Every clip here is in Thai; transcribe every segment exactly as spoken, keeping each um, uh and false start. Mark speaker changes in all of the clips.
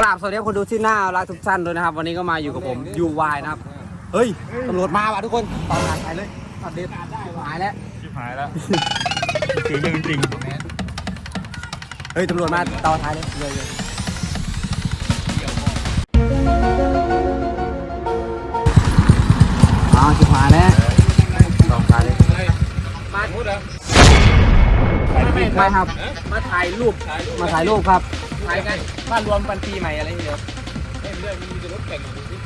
Speaker 1: บสวัสดีคนดูที่หน้ารักทุกท่านด้วยนะครับวันนี้ก็มาอยู่กับผมยูวายนะครับเฮ้ยตำรวจมาว่ะทุกคนตอนหายเลยตอนเด็ดหายแล้ว
Speaker 2: หายแล้วคือเรื่องจริง
Speaker 1: เฮ้ยตำรวจมาต่อท้ายเลยเลยเลยอ๋อจุดหายแล้วต่อท้ายเลยมาพูดเหรอไม่ครับมาถ่ายรูปมาถ่ายรูปครับถ่ายกันบ้านรวมปันปีใหม่อะไรอย่างเงี้ยเล่นเรื่องมีรถแข่งดูสิ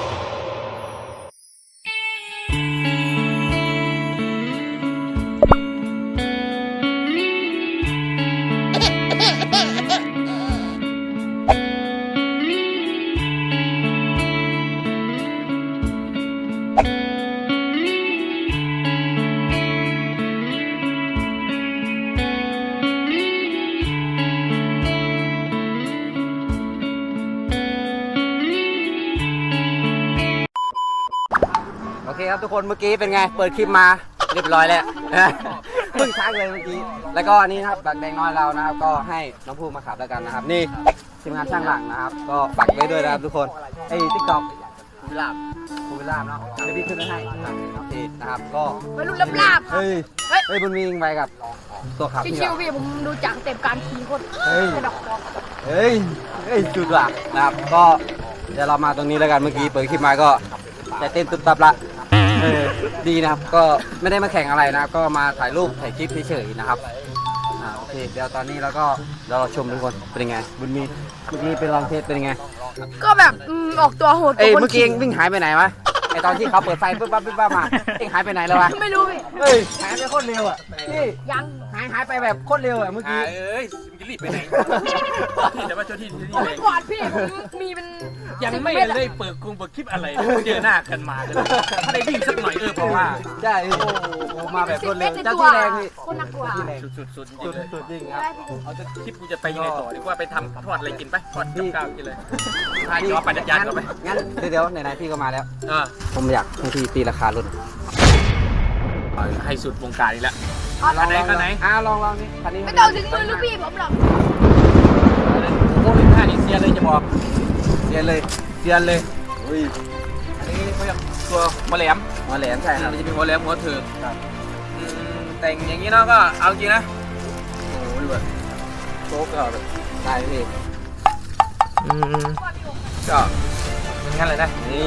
Speaker 1: โอเคครับทุกคนเมื่อกี้เป็นไงเปิดคลิปมาเรียบร้อยแล้วเพิ่งชักเลยเมื่อกี้แล้วก็อันนี้นะครับบักแดงน้อยเรานะครับก็ให้น้องภูมิมาขับแล้วกันนะครับนี่ทีมงานช่างหลังนะครับก็ฝากไว้ด้วยนะครับทุกคนไอ้ติ๊กต็อกภูวิลาบภูวิลาบเนาะเดี๋ยวพี่ขึ้นให้โอเคนะครับก็
Speaker 3: ไปรุ่นลับลาบ
Speaker 1: เฮ้ยเฮ้ยบุญมีไปกับตัวขับ
Speaker 3: ชิวๆพี่ผมดูจากเต็มการขี่คน
Speaker 1: เฮ้ย
Speaker 3: ดอกบอก
Speaker 1: เฮ้ยเฮ้ยจุดว่ะนะครับก็เดี๋ยวเรามาตรงนี้แล้วกันเมื่อกี้เปิดคลิปมาก็จะเต้นตุ๊บตับละเออดีนะครับก็ไม่ได้มาแข่งอะไรนะก็มาถ่ายรูปถ่ายคลิปเฉยๆนะครับอ่าโอเคเดี๋ยวตอนนี้เราก็เดี๋ยวเราชมทุกคนเป็นยังไงบุญมีเมื่อกี้เป็นลองเทสเป็นยังไง
Speaker 3: ก็แบบออกตัวโหด
Speaker 1: เอ้ยเมื่อกี้เองวิ่งหายไปไหนวะไอตอนที่เขาเปิดไฟปุ๊บปั๊บปุ๊บปั๊บมาเองหายไปไหนแล้ววะ
Speaker 3: ไม่รู้พี่
Speaker 1: เฮ้ยหายไปโคตรเร็วอ่ะนี่
Speaker 3: ยัง
Speaker 1: หายหายไปแบบโคตรเร็วอ่ะเมื่อกี้
Speaker 2: เอ้ยมึงจะรีบไปไหนที่จะมาเจ้าที่ที่นี่เลย
Speaker 3: ก่อนพี่ผมมีเป็น
Speaker 2: ยังไม่ได้เปิดกรุงเปิดคลิปอะไรเจอหน้ากันมาเลยถ้าได้วิ่งสักหน่อยเออเพราะว่า
Speaker 1: ใช่โอ้โหมาแบบรวดเร็วเจ้าที่แรงพี่
Speaker 3: คนนักกว่า
Speaker 2: สุดสุดสุด
Speaker 1: สุดสุดจริงครับ
Speaker 2: เอาจะคลิปกูจะไปยังไงต่อดีกว่าไปทำทอดอะไรกินไปทอดกับข้าวกินเลยทานเดี๋ยวปั่นจักรยานกันไป
Speaker 1: งั้นเดี๋ยวไหนๆพี่ก็มาแล้วผมอยากให้พี่ตีราคารถ
Speaker 2: ให้สุดวงการอีกแล้ว
Speaker 1: คันไหนคันไหนอ้าวลองลองนี่คันนี้
Speaker 3: ไม่ต้องถึงมือลูกพี่ผมหรอก
Speaker 2: โอ้ยท่านี่เสียเลยจะบอก
Speaker 1: เสียเลยเสียเลยอุ้ย
Speaker 2: อันนี้เขาเรียกตัวหัวแหลม
Speaker 1: หัวแหลมใช่ครับ
Speaker 2: มันจะมีหัวแหลมหัวเถิกแต่งอย่างนี้เนาะก็เอาจริงนะ
Speaker 1: โอ้โหดูแบบโต๊ะก็แบบได้พี่
Speaker 2: อืมก็งั้นเลยนะ
Speaker 1: นี่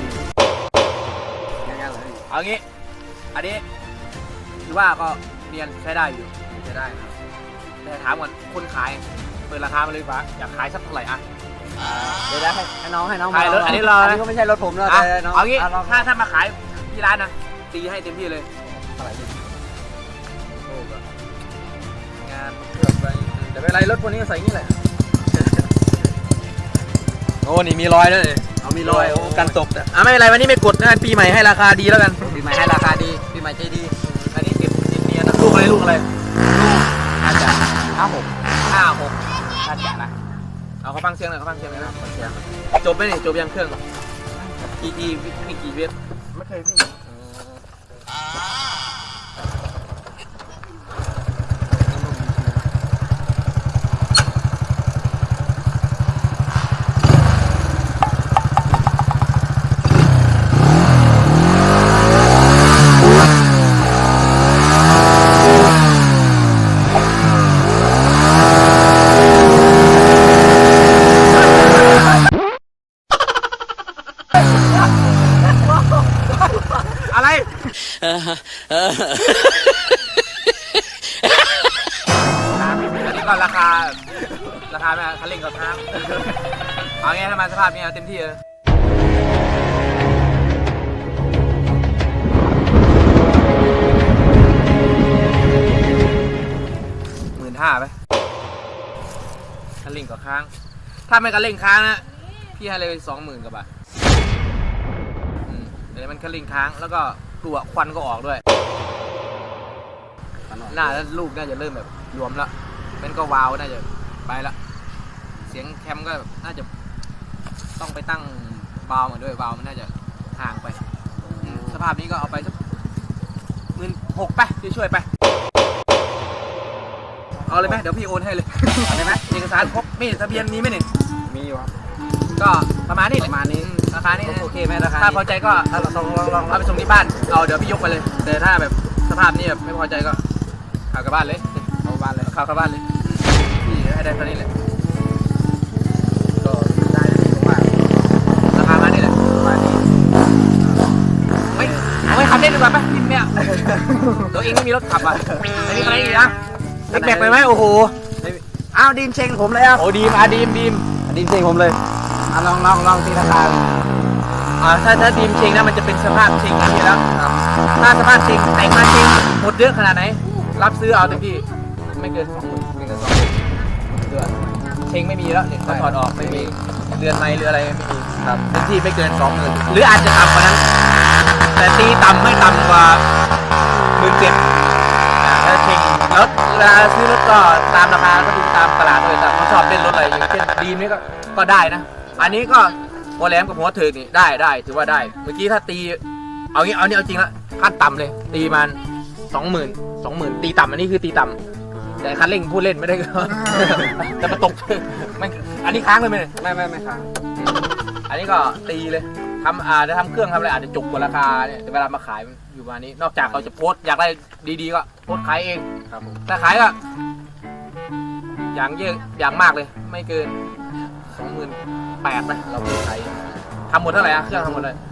Speaker 2: เอางี้อันนี้คือว่าก็เรียนใช้ได้อยู่ใช้ได้ครับแต่ถามก่อนคนขายเปิดราคามาเลยฟ้าอยากขายสักเท่าไหร่อะ
Speaker 1: เดี๋ยวได้ให้น้องให้น้อง
Speaker 2: ขายรถอันนี้เรา
Speaker 1: อันนี้ก็ไม่ใช่รถผมแล้วแต่น้อง
Speaker 2: เอางี้ถ้าถ้ามาขายที่ร้านนะตีให้เต็มที่เลย
Speaker 1: เท่าไหร่
Speaker 2: งานเกือบไปแต่ไม่เป็นไรรถพวกนี้ใส่งี้แหละโอ้นี่มีรอยด้วย
Speaker 1: เอามีรอย
Speaker 2: กันตกอ่ะไม่เป็นไรวันนี้ไม่กดงานปีใหม่ให้ราคาดีแล้วกัน
Speaker 1: ปีใหม่ให้ราคาดีปีใหม่ใจดี
Speaker 2: อันนี้ติดติดเนียนะลูกอะไรลูกอะไรลูกอาจจะ
Speaker 1: ห้าหก
Speaker 2: ห้าหกอาจจะนะเอาเขาฟังเสียงหน่อยเขาฟังเสียงหน่อยนะฟังเสียงจบไหมเนี่ยจบยังเครื่องกี่กี่มีกี่เวฟ
Speaker 1: ไม่เคยวิ่ง
Speaker 2: อะไรนี่ก็ราคาราคาไหมคันเร่งกับท้าเอางี้ถ้ามาสภาพนี้เต็มที่เลยหมื่นห้าไปคันเร่งกับค้างถ้าไม่คันเร่งค้างนะพี่ให้เลยสองหมื่นกว่าบาทเดี๋ยวมันคันเร่งค้างแล้วก็ตัวควันก็ออกด้วยหน้าแล้วลูกน่าจะเริ่มแบบรวมแล้วเป็นก็วาวน่าจะไปละเสียงแคมก็น่าจะต้องไปตั้งวาวมาด้วยวาวมันน่าจะห่างไปสภาพนี้ก็เอาไปสักหมื่นหกไปช่วยไปเอาเลยไหมเดี๋ยวพี่โอนให้เลยเอาเลยไหมเอกสารครบมีทะเบียนมีไหมเนี่ย
Speaker 1: มีอยู่ครับ
Speaker 2: ก็ประมาณนี้
Speaker 1: ประมาณนี้
Speaker 2: ราคานี้
Speaker 1: โอเคไหมราคา
Speaker 2: ถ้าพอใจก็
Speaker 1: ถ้าเราลองลองลอง
Speaker 2: เอาไปส่งที่บ้านเอาเดี๋ยวพี่ยกไปเลย แต่ถ้าแบบสภาพนี้แบบไม่พอใจก็ขับกลับบ้านเลย
Speaker 1: เอาบ้านเลย
Speaker 2: ขับกลับบ้านเลยพี่ให้ได้เท่านี้แหละ
Speaker 1: ก็ได้ผมว่า
Speaker 2: ราคามานี่แหละ
Speaker 1: ประมาณนี้
Speaker 2: ไม่เอาไม่ขับเล่นดีกว่าปะพี่เนี่ยตัวเองไม่มีรถขับอ่ะไม่มีอะไรอีกนะเล็กแบกไปไหมโอ้โห
Speaker 1: อ้าวดีมเชงผมเลยอ่ะ
Speaker 2: โอ้ดีมอ่ะดีมดีม
Speaker 1: ดีมเชงผมเลยอ่ะลองลองลองตีราคา
Speaker 2: อ่าถ้าถ้าดีมเชงนะมันจะเป็นสภาพเชงอย่างนี้แล้วถ้าสภาพเชงแต่งมาเชงหมดเยอะขนาดไหนรับซื้อเอาเต็มที่ไม่เกินสองหมื่นไม่เกินสองหมื่นเดือนเชงไม่มีแล้วเนี่ยเขาถอดออกไม่มีเดือนไม่หรืออะไรไม่มีครับเต็มที่ไม่เกินสองหมื่นหรืออาจจะต่ำกว่านั้นแต่ตีต่ำไม่ต่ำกว่าหมื่นเจ็ดถ้าเชงรถเวลาซื้อรถก็ตามราคาก็ดูตามตลาดเลยแต่เขาชอบเล่นรถอะไรอย่างเช่นดีมนี่ก็ก็ได้นะ อันนี้ก็หัวแหลมกับหัวเถิกนี่ได้ได้ถือว่าได้เมื่อกี้ถ้าตีเอางี้เอานี่เอาจริงละขั้นต่ำเลยตีมันสองหมื่นสองหมื่นตีต่ำอันนี้คือตีต่ำแต่คันเร่งพูดเล่นไม่ได้ก็ แต่มาตกมันอันนี้ค้างเลยไหมเนี่ย
Speaker 1: ไม่ไม่ไม่ครับ
Speaker 2: อันนี้ก็ตีเลยทำอาจจะทำเครื่องทำอะไรอาจจะจุกกว่าราคาเนี่ยแต่เวลามาขายมันอยู่ประมาณนี้ นอกจากเขาจะโพสต์อยากได้ดีๆก็โพสต์ขายเอง
Speaker 1: ครับผม
Speaker 2: ถ้าขายก็อย่างเยอะอย่างมากเลย ไม่เกินสองหมื่นแปดนะเราขายทำหมดเท่าไหร่อะเครื่องทำหมดเลย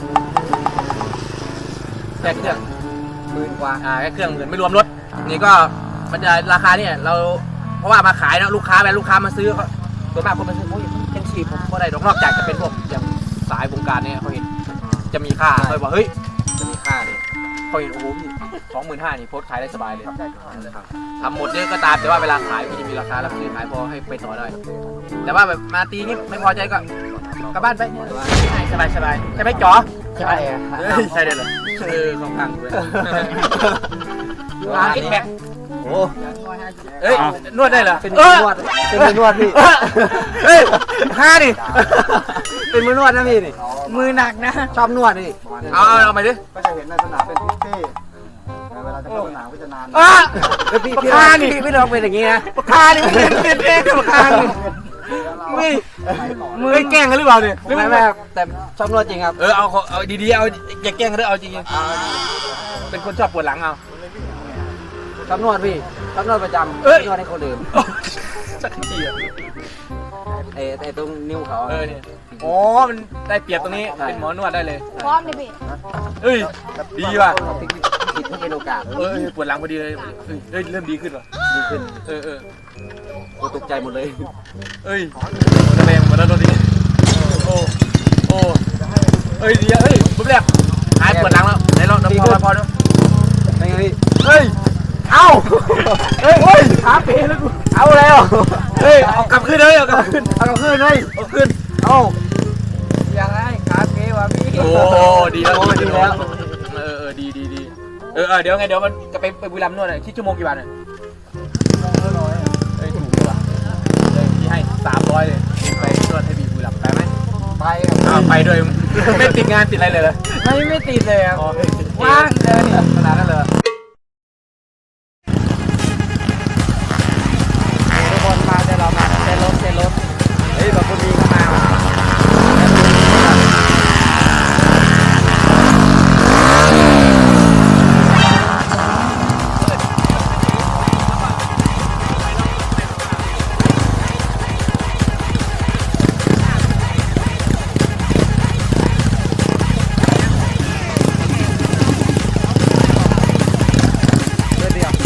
Speaker 2: แค่เครื่อง
Speaker 1: หมื่นกว่า
Speaker 2: อ่าแค่เครื่องหมื่นไม่รวมรถนี่ก็มันจะราคาเนี่ยเราเพราะว่ามาขายนะลูกค้าแบบลูกค้ามาซื้อเขาส่วนมากคนมาซื้อเขาเห็นชีพผมก็ได้นอกจากจะเป็นพวกอย่างสายวงการเนี่ยเขาเห็นจะมีค่าเขาบอกเฮ้ยจะมีค่าเลยเขาเห็นโอ้โหพี่สองหมื่นห้านี่โพสต์ขายได้สบายเลยทำหมดเยอะก็ตามแต่ว่าเวลาขายมันจะมีราคารับซื้อขายพอให้ไปต่อได้แต่ว่าแบบมาตีนี่ไม่พอใจก็กลับบ้านไปสบายสบายใช่ไหมจ๋อ
Speaker 1: ใช่ครับ
Speaker 2: เฮ้ยใช่เลยเหรอเออของข้างด้วยร้านคิดแบก
Speaker 1: โอ้
Speaker 2: เอ้ยนวดได้เหรอ
Speaker 1: เป็น
Speaker 2: เอ
Speaker 1: มือ
Speaker 2: อน
Speaker 1: วดเป็นมือนวดพี่
Speaker 2: เฮ้ยห้าดิ
Speaker 1: เป็นมือนวดนะพี่นี่
Speaker 3: มือหนักนะ
Speaker 1: ชอบนวดนี่
Speaker 2: เอาเอาเอาไปดิ
Speaker 4: ก็จะเห็นในสนามเป็นพิตตี้แต่เวลาจะเข้าสนามก็จะนาน
Speaker 2: อ่ะ
Speaker 1: แล้วพี่
Speaker 2: ปาก
Speaker 1: พี่
Speaker 2: กา
Speaker 1: ลอง
Speaker 2: นี่
Speaker 1: พี่พี่ลองเป็นอย่างนี้นะ
Speaker 2: ปากกานี่มันเป็นเป็นเองกับปากกานี่ไม่มือแกล้งกันหรือเปล่าเนี่ยหรือ
Speaker 1: ไม่
Speaker 2: ไม่
Speaker 1: ไม่
Speaker 2: ไม่
Speaker 1: ครับแต่ชอบนวดจริงครับ
Speaker 2: เออเอาเอาดีๆเอาอย่าแกล้งกันด้วยเอาจริงๆเป็นคนชอบปวดหลังเอา
Speaker 1: ชอบนวดพี่ชอบนวดประจำ
Speaker 2: เอ้ย
Speaker 1: นวดให้คนอื่น
Speaker 2: สักทีอ่ะ
Speaker 1: ไอ้ไอ้ตรงนิ้วเขา
Speaker 2: เออเนี่ยอ๋อมันได้เปรียบตรงนี้เป็นหมอนวดได้เลย
Speaker 3: พร้อมเลยพี่
Speaker 2: เอ้ยดีว่ะ
Speaker 1: ผิดผิดให้เป็นโอกาส
Speaker 2: เออปวดหลังพอดีเลยเอ้ยเอ้ยเริ่มดีขึ้นว่ะ
Speaker 1: ดีขึ้น
Speaker 2: เออเออ
Speaker 1: โอ้ตกใจหมดเลย
Speaker 2: เอ้ยระแวงหมดแล้วตอนนี้โอ้โอ้เอ้ยดีอ่ะเอ้ยปุ๊บแรกหายปวดหลังแล้วไหนลองน้ำพอพอดู
Speaker 1: เป็นไงพี่
Speaker 2: เฮ้ยเอ้าเฮ้ยเฮ้ยขาเป๋แล้วกู
Speaker 1: เอาแล้ว
Speaker 2: เฮ้ยเอากลับขึ้นเลยเอากลับขึ้น
Speaker 1: เอากลับคืนเลย
Speaker 2: เอาขึ้น
Speaker 1: เอา
Speaker 4: ยังไงขาเกว่ะพี่
Speaker 2: โอ้ดีแล้ว
Speaker 1: โอ้ดีแล้ว
Speaker 2: เออเออดีดีดีเออเออเดี๋ยวไงเดี๋ยวมันจะไปไปบุรีรัมย์นวดหน่อยคิดชั่วโมงกี่บาทเนี่ยเฮ้ยถูกเลยว่ะเลยพี่ให้สามร้อยเลยไปนวดให้บีบุรีรัมย์ไปไหม
Speaker 4: ไปครับ
Speaker 2: อ้าวไปด้วย ไม่ติดงานติดอะไรเลยเหรอ
Speaker 4: ไม่ไม่ติดเลยครับ
Speaker 2: อ๋อ
Speaker 4: ว่างเลย
Speaker 2: ขนาดนั้นเลย
Speaker 1: ทุกคนมาเดี๋ยวเรามาเซ็นรถเซ็นรถเฮ้ยแบบคนดีก็มาเดี๋ยวเดี๋ยว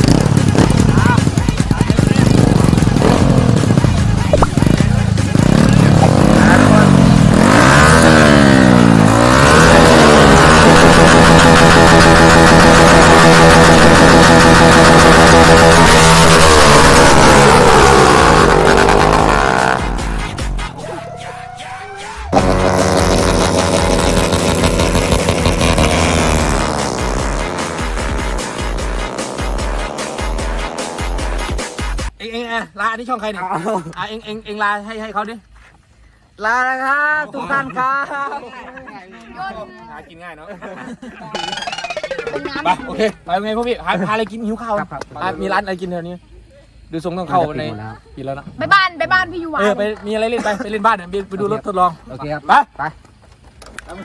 Speaker 2: เอ็งเอ็งอ่ะลาอันนี้ช่องใครเนี่ยอ่ะเอ็งเอ็งเอ็งลาให้ให้เขาดิ
Speaker 1: ลาแล้วครับทุกท่านครับ
Speaker 2: หากินง่ายเนาะ
Speaker 3: เป็นน้ำ
Speaker 2: ไปโอเคไปไงพวกพี่หาหาอะไรกินหิวข้าวอ่ะมีร้านอะไรกินแถวนี้ดูทรงต้องเข้าใน
Speaker 1: ปิดหมดแล้ว
Speaker 2: ปีแล้วนะ
Speaker 3: ไปบ้านไปบ้านพี่ยูวา
Speaker 2: เออไปมีอะไรเล่นไปไปเล่นบ้านเนี่ยไปไปดูรถทดลอง
Speaker 1: โอเคครับ
Speaker 2: ไป
Speaker 1: ไป